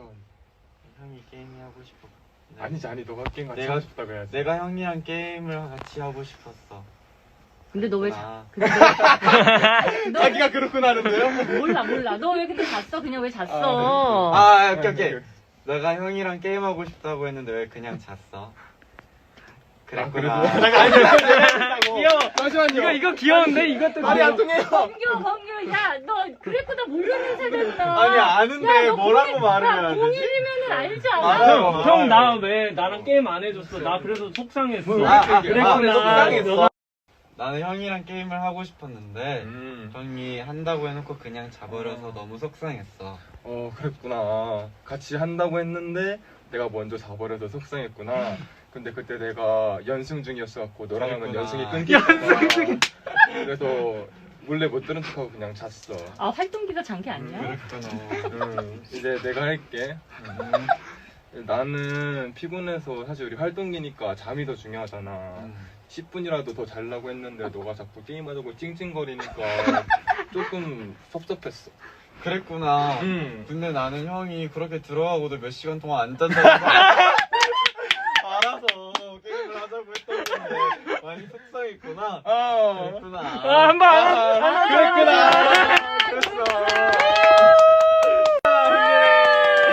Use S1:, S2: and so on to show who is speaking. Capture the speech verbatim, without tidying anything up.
S1: 태원.
S2: 형이 게임이 하고 싶어. 네.
S1: 아니지 아니 너가 게임 같이
S2: 내가-
S1: 하고 싶다고 해야지.
S2: 내가 형이랑 게임을 같이 하고 싶었어.
S3: 근데 너 왜
S2: 그랬구나.
S3: 자? 근데 너,
S1: 자기가 그렇구나 하는데요?
S3: 너 몰라 몰라. 너 왜 근데 잤어? 그냥 왜 잤어?
S2: 아, 오케이, 오케이. 내가 형이랑 게임하고 싶다고 했는데 왜 그냥 잤어? 그랬구나.
S1: 아, 그래도 잠깐
S4: 귀여워.
S1: 잠시만요.
S4: 이거 이거 귀여운데 이것도
S1: 말이 안
S4: 귀여워.
S1: 통해요.
S3: 범규 범규 야 너 그랬구나 모르는 세대구나.
S2: 아니, 아는데
S3: 야, 너
S2: 뭐라고
S3: 공일-
S2: 말을
S3: 야,
S2: 해야 되지?
S3: 공일이면은 알지 않아?
S2: 맞아.
S4: 형, 형 나 왜 나랑 게임 안 해줬어? 나 그래서 속상했어.
S2: 아, 아,
S4: 그랬구나.
S2: 아, 속상했어.
S4: 너가
S2: 나는 형이랑 게임을 하고 싶었는데
S1: 음.
S2: 형이 한다고 해놓고 그냥 자버려서 너무 속상했어.
S1: 어 그랬구나. 같이 한다고 했는데 내가 먼저 자버려서 속상했구나. 근데 그때 내가 연승 중이었어갖고 너랑 하면
S2: 그랬구나.
S1: 연승이 끊기잖아. 그래서 몰래 못 들은 척하고 그냥 잤어.
S3: 아 활동기가 잔 게 아니야?
S2: 그랬구나.
S1: 음, 이제 내가 할게. 음. 나는 피곤해서 사실 우리 활동기니까 잠이 더 중요하잖아.
S2: 음.
S1: 십 분이라도 더 자려고 했는데 너가 자꾸 게임하자고 찡찡거리니까 조금 섭섭했어.
S2: 그랬구나.
S1: 음.
S2: 근데 나는 형이 그렇게 들어가고도 몇 시간 동안 안 잔다고 알아서 게임을 하자고 했던 건데 많이 속상했구나.
S1: 아,
S2: 그랬구나.
S4: 아, 한 번.
S1: 아, 그랬구나.